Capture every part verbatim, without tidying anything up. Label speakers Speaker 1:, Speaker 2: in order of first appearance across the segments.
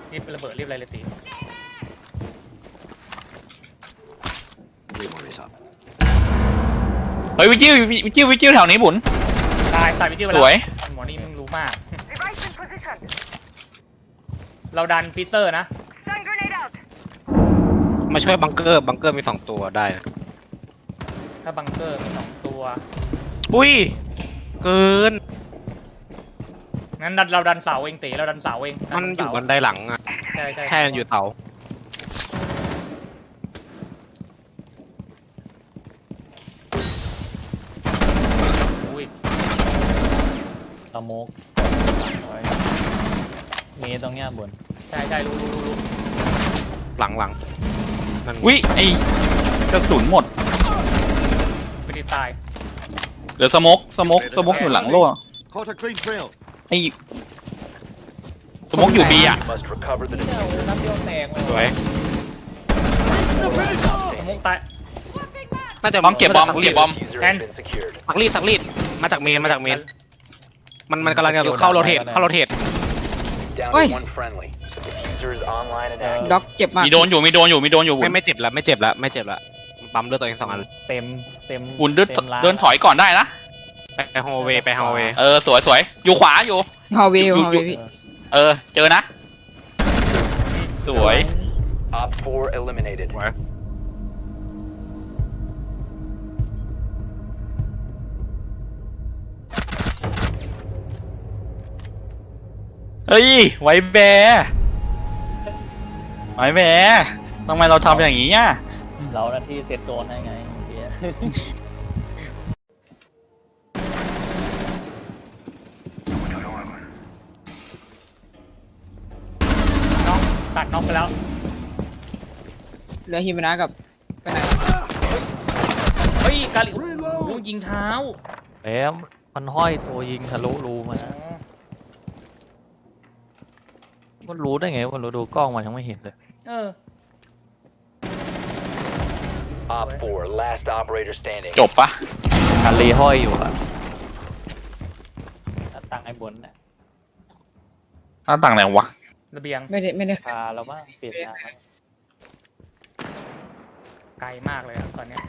Speaker 1: รีบระเบิดรีบอะไรเลยตี
Speaker 2: เฮ้ยวิจิววิจิววิจิวแถวนี้บุญ
Speaker 1: ตายตายไปที่เวลา
Speaker 2: สวย
Speaker 1: หมอนี่มึงรู้มากเราดันฟิเซอร์นะ
Speaker 3: มาช่วยบังเกอร์บังเกอร์มีสองตัวได้นะ
Speaker 1: ถ้าบังเกอร์มีสองตัว
Speaker 3: อุ้ยเกิน
Speaker 1: งั้นเราดันเสาเองตีเราดันเสาเอง
Speaker 3: มันอยู่บันไดหลังอ่ะ
Speaker 1: ใช่ใช่
Speaker 3: ใช่มันอยู่เสา
Speaker 4: สโมกมีตรงเนี้ยบน
Speaker 1: ใช่ใช่รู้รู้รู้
Speaker 3: หลังหลัง
Speaker 2: วิไอกระสุนหมด
Speaker 1: ไม่ได้ตาย
Speaker 2: เหลือสโมกสโมกสโมกอยู่หลังโล่ไอสโมกอยู่บีอ่ะ
Speaker 3: สวย
Speaker 1: สโมกตาย
Speaker 3: น่าจะ
Speaker 2: บอมเก็บบอมเก็บบอม
Speaker 1: แทน
Speaker 3: สักรีดสักรีดมาจากเมนมาจากเมนมันมันกำลังจะเข้าโรเทตเข้าโรเทต
Speaker 5: เฮ้ยด็อกเจ็บมาก
Speaker 2: มีโดนอยู่มีโดนอยู่มีโดนอยู่
Speaker 3: ไม่ไม่เจ็บแล้วไม่เจ็บแล้วไม่เจ็บแล้วปั๊มเลือดตัวเองสองอัน
Speaker 4: เต็มเต็ม
Speaker 2: บุญเดินเดินถอยก่อนได้นะ
Speaker 3: ไปฮอลเวย์ไปฮอลเวย์
Speaker 2: เออสวยสวยอยู่ขวาอยู่
Speaker 5: ฮอลเวย์ฮอลเวย์พี่
Speaker 2: เออเจอนะสวยเฮ้ยไว้แบไว้แบทำไมเราทำอย่างนี้อ่ะ
Speaker 4: เราหน้าที่เซตโดนให้ไงเดี๋ยว
Speaker 1: น้องตัดน้องไปแล้ว
Speaker 5: เหลือฮิมานะกับไปไหน
Speaker 1: เฮ้ยกาลิลูกยิงเท้า
Speaker 4: แล้วมันห้อยตัวยิงทะลุรูมามันรู้ได้ไงมันรู้ดูกล้องมันยังไม่เห็นเลย
Speaker 1: เออ
Speaker 2: จบปะ
Speaker 4: การรีห้อยอยู่อะตั้งไอ้บนเนี่ย
Speaker 2: หน้าต่างไหนวะ
Speaker 1: ระเบียง
Speaker 5: ไม่ได้ไม่ได้
Speaker 4: พาเราบ้างเปลี่ยนทาง
Speaker 1: ไกลมากเลยครับตอนนี้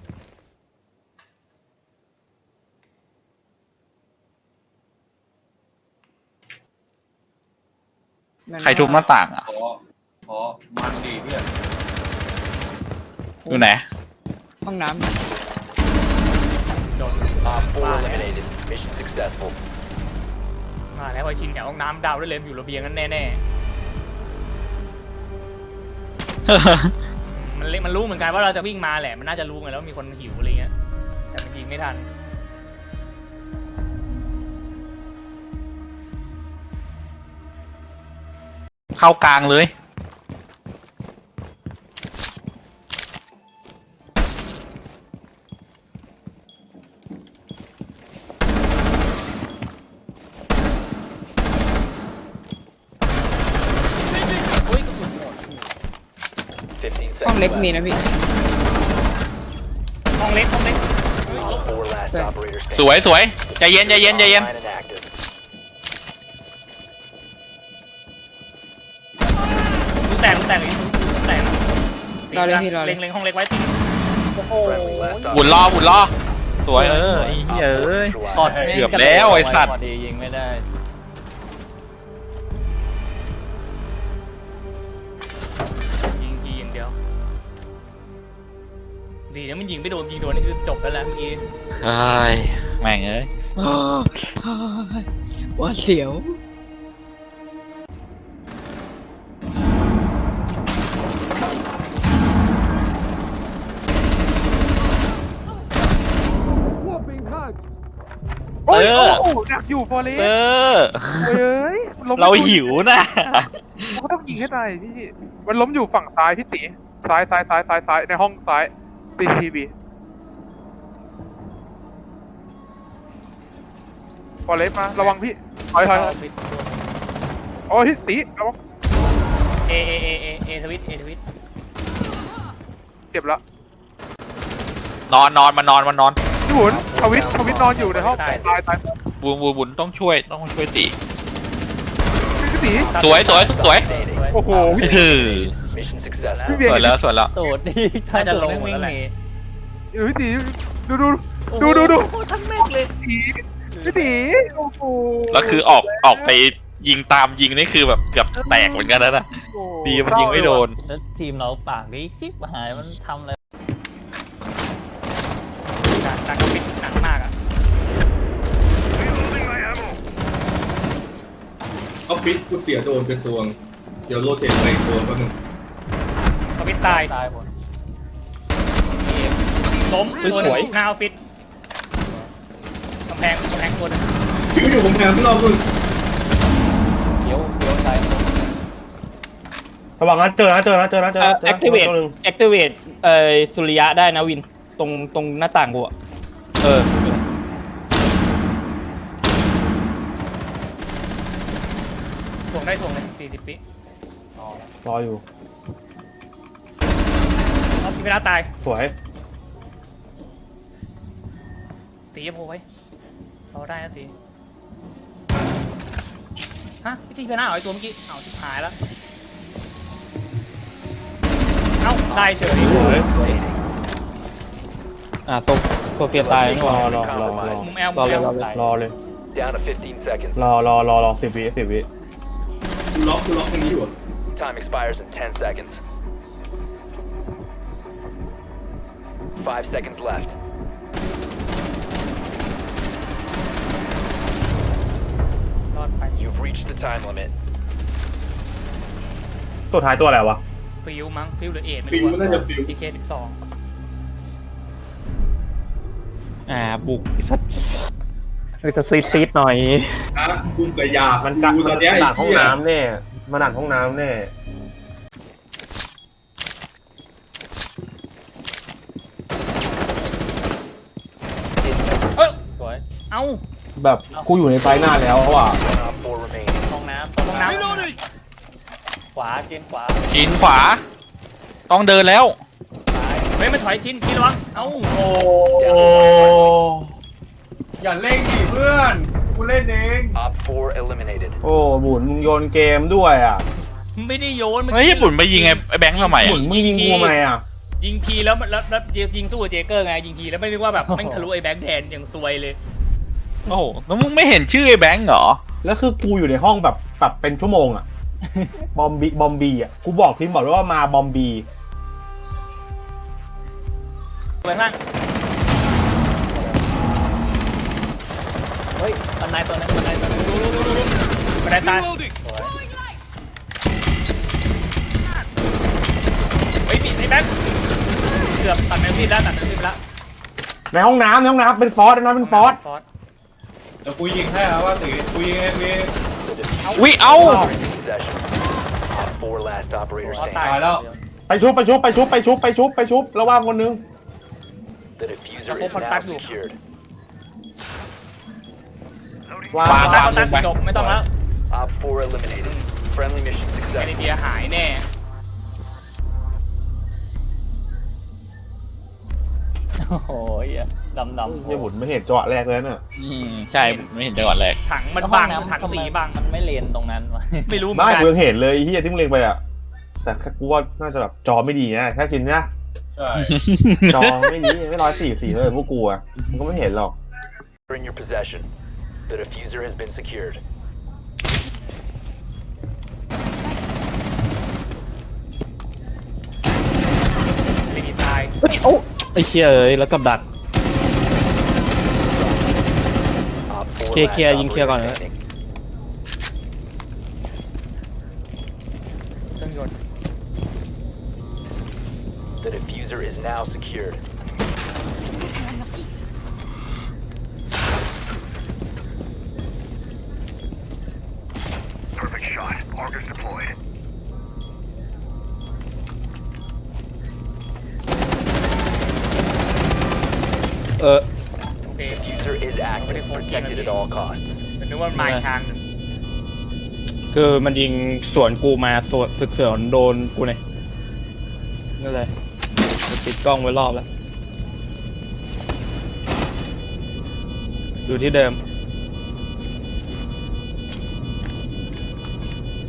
Speaker 2: ใครทุบหน้าต่างอ่ะ
Speaker 6: ขอมันดีเพื่อน
Speaker 2: อยู่ไหน
Speaker 5: ห้องน้ำ
Speaker 1: โดนมาแล้วไอชินกับห้องน้ำดาวด้วยเลยอยู่ระเบียงนั้นแน่ๆมันมันรู้เหมือนกันว่าเราจะวิ่งมาแหละมันน่าจะรู้ไงแล้วมีคนหิวอะไรเงี้ยแต่มันยิงไม่ทัน
Speaker 2: เข้ากลางเลย
Speaker 5: ห้องเล็กมีนะพี่
Speaker 1: ห้องเล็กห้องเล็ก
Speaker 2: สวยสวยใจเย็นใจเย็นใจเย็น
Speaker 1: ดูแตกดูแตกเลยดูแตก
Speaker 5: รอเลยพี่รอเลย
Speaker 1: เล็งเล็งห้องเล็กไว้ตีโอ้โห
Speaker 2: บุญรอบุญรอสวยเออไอ้เหี้ยเอ้ยเกือบแล้วไอ้สัตว์
Speaker 4: ยิงไม่ได้
Speaker 1: ยิงยิงอย่างเดียวดีนะมันยิงไม่โดนยิงโดนนี่คือจบแล้วแหละเมื่อกี้
Speaker 2: ไอ้แม่งเอ้ย
Speaker 5: ว่าเสียว
Speaker 2: เออ
Speaker 6: อยากอยู่ฟอเรส
Speaker 2: เออ
Speaker 6: เฮ้ย
Speaker 2: เราหิวนะ
Speaker 6: ก็ต้องยิงให้ตายพี่มันล้มอยู่ฝั่งซ้ายพี่ตีซ้ายซ้ายซ้ายซ้ายซ้ายในห้องซ้ายตีทีวีฟอเรสมาระวังพี่ถอยถอยโอ้ยพี่ตีระวัง
Speaker 1: เอเอเอเอเอทวิตเอทวิต
Speaker 6: เจ็บแล้ว
Speaker 2: นอนนอนมานอนมานอน
Speaker 6: พี่บุญทวิตทวิตนอนอยู่ในห้องตายตาย
Speaker 2: บุญบุญบุญต้องช่วยต้องช่วยตี
Speaker 6: ตี
Speaker 2: สวยสวยสวย
Speaker 6: โอ้โห
Speaker 2: เออ
Speaker 6: พี่เบีย
Speaker 2: สวย
Speaker 6: ร์
Speaker 2: แล้วสวยแล้ว
Speaker 4: โดดดิ
Speaker 1: น่าจะลง
Speaker 4: วิ่
Speaker 1: แล้วแหละ
Speaker 4: หนี
Speaker 6: พี่ตีดูดูดูดูดู
Speaker 4: โอ้ทั้งแม่งเลย
Speaker 6: ตีพี่ตีโอ้โห
Speaker 2: แล้วคือออกออกไปยิงตามยิงนี่คือแบบเกือบแตกเหมือนกันนะนะดีมันยิงไม่โดน
Speaker 4: แล้วทีมเราปากดีชิบหายมันทำอะไร
Speaker 1: ดักดักปิดหนักมากอ่ะ
Speaker 7: เอาฟิตกูเสียโดนเป็นตัวงเดี๋ยวโรเทตไปอีกตัวแป๊บนึง
Speaker 1: เขาปิดตาย
Speaker 4: ตายหมด
Speaker 1: ล้มตัวหนึ่งหน้าออฟฟิศกำแพงกำแพงตัวหนึง
Speaker 7: ฟิวอยู่ผมแพงพี่รอบนึง
Speaker 4: เดี๋ยวเดี๋ยวตาย
Speaker 8: ระวังนะเจอนะเจอนะเจอนะเจอนะ
Speaker 9: แอคทีเวตแอคทีเวตเอ่อสุริยะได้นะวินตรงตรงหน้าต่างกูอะเออ
Speaker 1: ถ่วงได้ถ่วงเลยสี่สิบปี
Speaker 8: รออยู่
Speaker 1: เอาทีเวลาตาย
Speaker 8: สวย
Speaker 1: ตีจะโผล่ไว้เราได้นะตีฮะพี่ซีเฟน่าเอาไอ้ตัวเมื่อกี้เอาชิบหายแล้วเอ้าได้เฉย
Speaker 8: สวย
Speaker 9: อ่าโซโซเฟียตายนี่ห
Speaker 8: ร
Speaker 9: ว่า
Speaker 8: อรอรอรอ
Speaker 1: มุมแอล
Speaker 9: ร
Speaker 1: มุ
Speaker 9: อ
Speaker 1: ม
Speaker 9: เล
Speaker 1: แอย ล
Speaker 9: รอเลย
Speaker 8: รอเลย
Speaker 10: Down to fifteen seconds.
Speaker 8: รอรอรอรอสิบวิสิบวิ
Speaker 7: กูล็อกกูล็อกตรงนี้อยู่อะ
Speaker 10: Time expires in ten seconds. Five seconds left.
Speaker 1: รอดไป
Speaker 10: You've reached the time limit.
Speaker 8: สุดท้ายตัวอะไรวะ
Speaker 1: ฟิวมั้งฟิวหรือเอ็ดไม่
Speaker 7: ฟิว
Speaker 1: รู้
Speaker 7: น่าจะฟิว
Speaker 1: พีเคสิบสอง
Speaker 9: อ่าบุกไอ้สัตว์เออจะซีดซีดหน่อย
Speaker 7: อ่ะกุ้งกระยา
Speaker 8: มั
Speaker 7: มัน
Speaker 8: กัด
Speaker 7: ดูตอนเนี้ยไอ้
Speaker 8: ดักห้อง
Speaker 7: เหี้ย
Speaker 8: น้ำแน่มันดักห้องน้ำแน่
Speaker 1: เอ้ย
Speaker 4: สวย
Speaker 1: เอ้า
Speaker 8: แบบกูอยู่ในไฟหน้าแล้วอ่ะ
Speaker 10: One op four remaining.
Speaker 4: ห้องน้ำ
Speaker 1: ห้องน้ำ
Speaker 4: ขวาเจนขวา
Speaker 2: กินขวา ต้องเดินแล้ว
Speaker 1: เฮ้ยมันถอยชิ้นชิ้นระวังเอ้าโอ้
Speaker 7: โอ้อย่าเล่นดิเพื่อนกูเล่นเอง
Speaker 10: Op four eliminated.
Speaker 8: โอ้บุญมึงโยนเกมด้วยอ่ะ
Speaker 1: ไม่ได้โยน
Speaker 2: เฮ้ยญี่ปุ่นไปยิงไอ้ไอ้แบงค์ทำไม
Speaker 8: บุ
Speaker 2: อ่ะ
Speaker 8: ญมึงยิงกูทำไมอ่ะ
Speaker 1: ยิงทีแล้วมันแล้วแล้วยิงสู้กับเจเกอร์ไงยิงทีแล้วไม่นึกว่าแบบแม่งทะลุไอ้แบงค์แทนอย่างซวยเลย
Speaker 2: โอ้โหแล้วมึงไม่เห็นชื่อไอ้แบงค์เหรอ
Speaker 8: แล้วคือกูอยู่ในห้องแบบแบบเป็นชั่วโมงอ่ะ บอมบีบอมบีอ่ะกูบอกทีมบอกเลยว่ามาบอมบี
Speaker 1: ไปข้างล่าง
Speaker 4: เฮ้ยบันไดตัวนึงบันไดตัวนึง
Speaker 1: ดูดูดูดูดูบันไดตายเฮ้ยมีไอ้แบงค์เกือบตัดแมวซีดแล้วตัดแมวซีดไปแล้ว
Speaker 8: ในห้องน้ำในห้องน้ำเป็นฟอสนะเป็นฟอส
Speaker 1: ฟอส
Speaker 7: เดี๋ยวกูยิงให้แล้วว่าตีกูยิงเองกูยิงเอง
Speaker 2: วิเอ้า
Speaker 10: Possession. Op four last operator
Speaker 1: ฟอส
Speaker 10: standing.
Speaker 1: ตาย
Speaker 7: ตายแล้ว
Speaker 8: ไปชุบไปชุบไปชุบไปชุบไปชุบไปชุบระว่างคนนึง
Speaker 10: The diffuser is now secured.
Speaker 8: วาง
Speaker 2: วาง
Speaker 1: ตายตัดจบไม่ต้องแล้ว
Speaker 10: Op four eliminated. Friendly mission
Speaker 1: แคนา
Speaker 10: successful.
Speaker 1: เดียหายแน่
Speaker 4: โอ้โหดำดำ
Speaker 8: เฮียบุญไม่เห็นจังหวะแรกเลยน่ะ
Speaker 2: อืมใช่ผมไม่เห็นจังหวะแรก
Speaker 1: ถังมันบังถังสีบัง
Speaker 4: มันไม่เลนตรงนั้นวะ
Speaker 1: ไม่รู้เหมือ
Speaker 8: ไม่
Speaker 1: นกัน
Speaker 8: กูยังเห็นเลยไอ้เฮียที่มึงเล็งไปอ่ะแต่กูว่าน่าจะแบบจอไม่ดีนะแค่ชินนะ
Speaker 7: ใช่
Speaker 8: จอไม่ดีไม่ร้อยสี่สี่เลยพวกกูอ่ะมึงก็ไม่เห็นหรอก
Speaker 10: In your possession. The diffuser has been secured.
Speaker 1: ไม่มีตาย
Speaker 9: เฮ้ยโอ้ไอ้เชี่ยเอ้ยแล้วกับดัก
Speaker 10: Op four
Speaker 9: Kia,
Speaker 10: last
Speaker 9: Kia,ยิง Kiaก่อน
Speaker 10: operator
Speaker 9: นะ
Speaker 10: standing.
Speaker 1: เครื่องยนต์
Speaker 10: The diffuser is now secured. Perfect shot. Augers deployed.
Speaker 9: เออ
Speaker 1: โอเค
Speaker 10: Diffuser is active. Protected at all costs.
Speaker 1: แต่นึกว่ามันมาอีกทางหนึ่ง
Speaker 9: คือมันยิงสวนกูมาสวนสึกเสือนโดนกูเนี่ยนั่นเลยติดกล้องไว้รอบแล้วอยู่ที่เดิม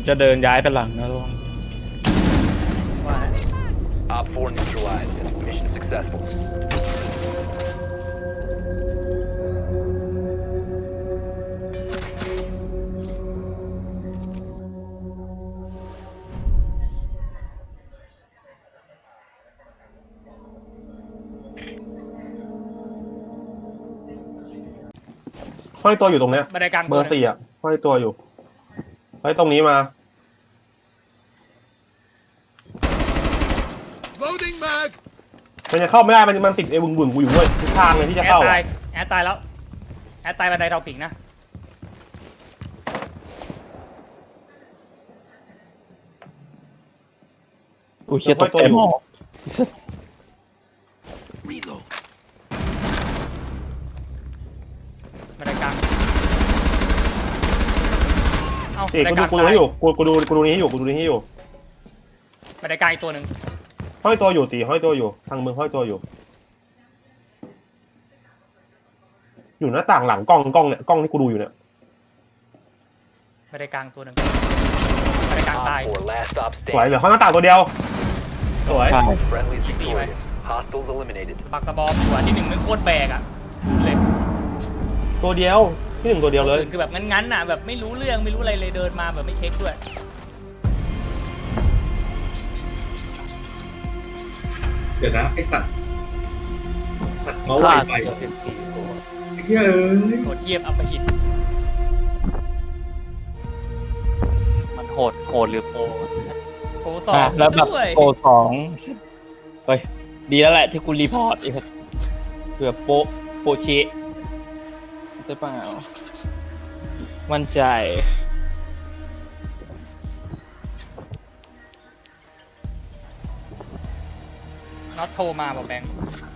Speaker 9: จะเดินย้ายไปหลังนะระวัง
Speaker 1: ว่า
Speaker 10: Op four neutralized. Mission successful.
Speaker 8: ห้อยตัวอยู่ตรงเนี้ย
Speaker 1: บันไดกลาง
Speaker 8: เบอร์สี่อ่ะห้อยตัวอยู่เฮ้ยตรงนี้มามันจะเข้าไม่ได้มันมันติดไอ้บึงบึงๆกูอยู่ด้วยทุกทางเลยที่จะ
Speaker 1: แอด
Speaker 8: เข้า
Speaker 1: ตาย
Speaker 8: อะ
Speaker 1: แอดตายแล้วแอดตายบันไดเราปิงนะ
Speaker 9: อุ้ยเชี่ยตกใจหมอ
Speaker 1: บันไดกลางเอ้า
Speaker 8: เอก
Speaker 1: บันได
Speaker 8: กู
Speaker 1: ก
Speaker 8: ดู
Speaker 1: ลาง
Speaker 8: กูดูให้อยู่กูกูดูกูดูนี้ให้อยู่กูดูนี้ให้อยู่
Speaker 1: บันไดกลางอีกตัวหนึ่ง
Speaker 8: ห้อยตัวอยู่ตีห้อยตัวอยู่ทางมึงห้อยตัวอยู่ อยู่หน้าต่างหลังกล้องกล้องเนี่ยกล้องที่กูดูอยู่เนี่ย
Speaker 1: บันไดกลางตัวหนึ่งบันไดกลางตาย
Speaker 10: Op four last stop
Speaker 8: สวย
Speaker 10: standing.
Speaker 8: เหลือข้างหน้าต่างตัวเดียวสวย
Speaker 10: Friendly's victorious. Hostiles eliminated.
Speaker 1: ปักกระบอกหัวที่หนึ่งมันโคตรแบกอ่ะเลย
Speaker 8: ตัวเดียวที่หนึ่งตัวเดียวเลย
Speaker 1: คือแบบงั้นๆน่ะแบบไม่รู้เรื่องไม่รู้อะไรเลยเดินมาแบบไม่เช็คด้วย
Speaker 11: เดี๋ยวนะไอสัตว์สัตว์เมาส์
Speaker 4: พ
Speaker 11: ไว
Speaker 4: ลาด
Speaker 11: ไฟ
Speaker 4: เกือบสิบสี่ตัว
Speaker 11: ไอ้เหี้ยเอ้ย
Speaker 1: โหดเยียบอัปหิต
Speaker 4: มันโหดโหดหรือโปร
Speaker 1: โกสอง
Speaker 9: อ่ะแล้วแบบ
Speaker 1: ด้วย
Speaker 9: โปรสองเฮ้ยดีแล้วแหละที่กูรีพอร์ตอีกเผื่อโปะโปะเชะใช่เปล่ามั่นใจ
Speaker 1: น็อตโทรมาบอกแบงค์